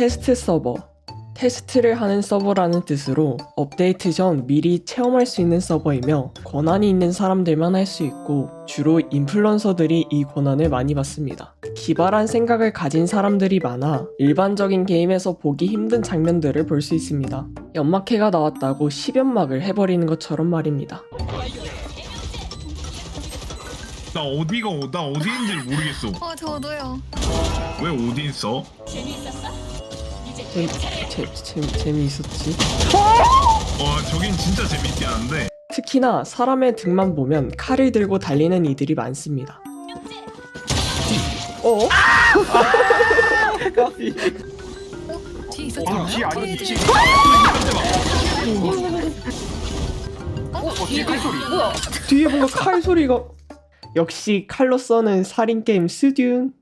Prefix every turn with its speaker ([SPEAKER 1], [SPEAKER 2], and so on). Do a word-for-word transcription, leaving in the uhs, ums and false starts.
[SPEAKER 1] 테스트 서버, 테스트를 하는 서버라는 뜻으로 업데이트 전 미리 체험할 수 있는 서버이며 권한이 있는 사람들만 할 수 있고 주로 인플루언서들이 이 권한을 많이 받습니다. 기발한 생각을 가진 사람들이 많아 일반적인 게임에서 보기 힘든 장면들을 볼 수 있습니다. 연막해가 나왔다고 십연막을 해버리는 것처럼 말입니다.
[SPEAKER 2] 나 어디가 어- 나 어디인지를 모르겠어.
[SPEAKER 3] 어 저도요.
[SPEAKER 2] 왜 어디 있어?
[SPEAKER 1] 재, 재, 재, 재미있었지?
[SPEAKER 2] 와 저긴 진짜 재밌긴 한데.
[SPEAKER 1] 특히나 사람의 등만 보면 칼을 들고 달리는 이들이 많습니다. 어?
[SPEAKER 3] 뒤에 있었잖아요.
[SPEAKER 4] 뒤에 아니지, 뒤에. 어, 뒤에 칼소리.
[SPEAKER 1] 뒤에 뭔가 칼 소리가. 역시 칼로 써는 살인 게임 스듐.